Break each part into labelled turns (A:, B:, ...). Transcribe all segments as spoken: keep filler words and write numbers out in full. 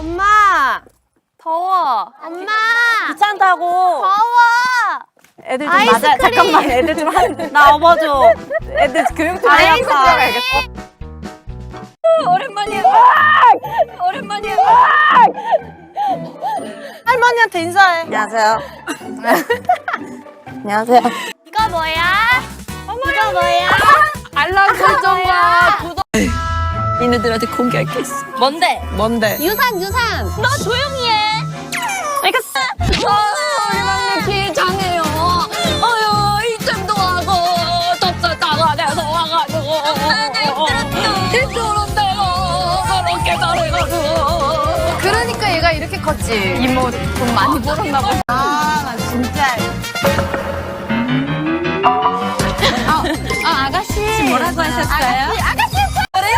A: 엄마 더워. 엄마
B: 귀찮다고.
A: 더워.
B: 애들 좀
A: 아이스크림.
B: 맞아. 잠깐만. 애들 좀 한 나 업어줘. 애들 교육 좀 해야겠다.
A: 아이스크림.
B: 오랜만이야. 오랜만이야. 할머니한테 인사해. 안녕하세요. 안녕하세요.
A: 이거 뭐야? 이거 뭐야?
B: 알람 설정과 구독. 얘네들한테 공개할 게 있어. 뭔데? 뭔데?
A: 유산 유산. 너 조용히 해.
B: 알겠어. 아, 우리 막내 기장해요. 어휴, 이쯤도 하고 좁쌀 따가내서 와가지고. 이쪽으로 내가 그렇게 잘해가지고.
A: 그러니까 얘가 이렇게 컸지.
B: 이모 돈 많이 벌었나 보다.
A: 아, 나 진짜. 아, 아 아가씨.
B: 뭐라고 하셨어요?
A: 아가씨, 아가씨.
B: 그래요?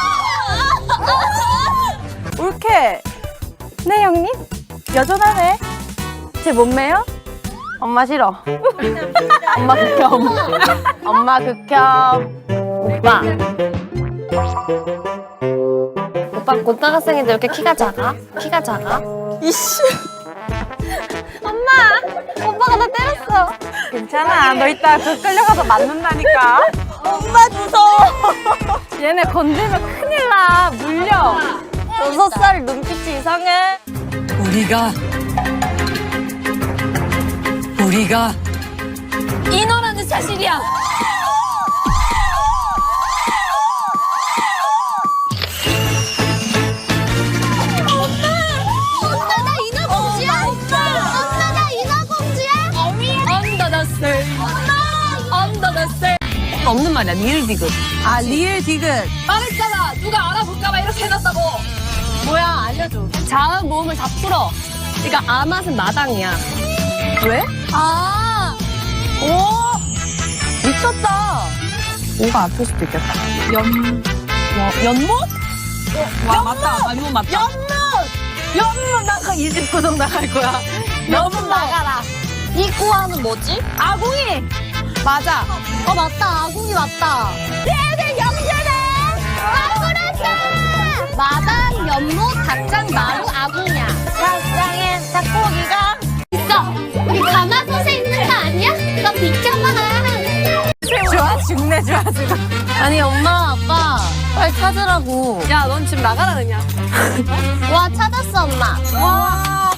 B: 옳게. 네, 형님? 여전하네. 제 몸매요? 엄마 싫어. 엄마 극혐. 엄마 극혐. 오빠.
A: 오빠 고등학생인데 이렇게 키가 작아? 키가 작아?
B: 이씨.
A: 엄마! 오빠가 나 때렸어.
B: 괜찮아. 너 이따 그 끌려가서 맞는다니까. 엄마 무서워. 얘네 건들면 큰일 나. 물려. 여섯 살 눈빛이 이상해.
C: 우리가 우리가 인어라는 사실이야.
A: 엄마 나 인어공주야? 엄마 나 인어공주야?
C: Under the sea. Under the sea. 없는 말이야. 리을 디귿.
B: 아, 리을 디귿.
C: 말했잖아. 누가 알아볼까봐 이렇게 해놨다고.
A: 뭐야 알려줘. 자음 모음을 다 풀어. 그러니까 아 맛은 마당이야.
B: 왜?
A: 아.
B: 오! 미쳤다. 오가 아플 수도 있겠다. 연, 뭐, 연못? 와, 연못! 맞다. 연못 맞다. 연못! 연못! 나가 이십구 점 나갈 거야. 연못 나가라.
A: 이 꾸아는 뭐지?
B: 아궁이! 맞아.
A: 어 맞다. 아궁이 맞다. 얘들 영재네. 아구라사. 마당, 연못, 닭장, 마루, 아궁이야.
B: 닭장에 닭고기가
A: 있어. 우리 가마솥에 있는 거 아니야? 너 비켜봐.
B: 좋아 죽네 좋아 죽어.
A: 아니 엄마 아빠 빨리 찾으라고.
B: 야, 넌 지금 나가라 그냥.
A: 와 찾았어 엄마.
B: 와.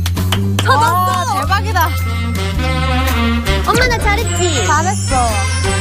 B: 찾았어. 대박이다.
A: 엄마 나 잘했지?
B: 잘했어.